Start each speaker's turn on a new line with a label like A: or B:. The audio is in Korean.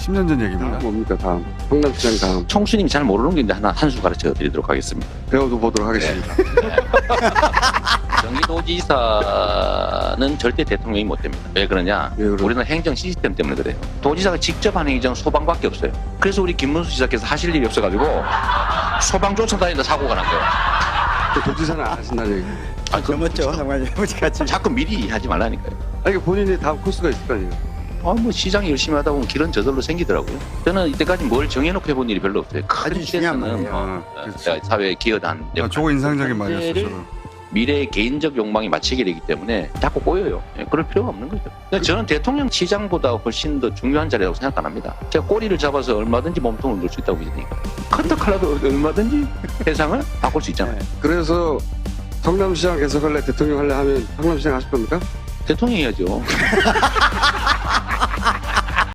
A: 10년 전 얘기입니다.
B: 다음 뭡니까 다음? 성남시장 다음
C: 총수님이 잘 모르는 게 있는데 한 수 가르쳐 드리도록 하겠습니다.
B: 배워도 보도록 하겠습니다.
C: 경기도지사는 절대 대통령이 못 됩니다. 왜 그러냐?
B: 왜 그러냐?
C: 우리는 행정 시스템 때문에 그래요. 도지사가 직접 하는 행정 소방밖에 없어요. 그래서 우리 김문수 지사께서 하실 일이 없어가지고 소방 쫓아다니다 사고가 난 거예요.
B: 그 도지사는 안 하신다는 얘기.
C: 아니,
D: 넘었죠, 상관님. 같이.
C: 자꾸 미리 하지 말라니까요.
B: 아니 본인이 다음 코스가 있을 거 아니에요.
C: 뭐 시장이 열심히 하다 보면 길은 저절로 생기더라고요. 저는 이때까지 뭘 정해놓고 해본 일이 별로 없어요. 큰
D: 아주 중요한
C: 데서는
D: 말이에요.
A: 그렇죠.
C: 사회에 기여한
A: 저거 인상적인 말이었어요.
C: 문제를
A: 저는.
C: 미래의 개인적 욕망이 맞추게 되기 때문에 자꾸 꼬여요. 그럴 필요가 없는 거죠. 그러니까 저는 대통령 시장보다 훨씬 더 중요한 자리라고 생각 안 합니다. 제가 꼬리를 잡아서 얼마든지 몸통을 넣을 수 있다고 믿으니까. 커터칼라도 얼마든지 세상을 바꿀 수 있잖아요.
B: 그래서 성남시장 계속 할래 대통령 할래 하면 성남시장 하실 겁니까?
C: 대통령이 해야죠.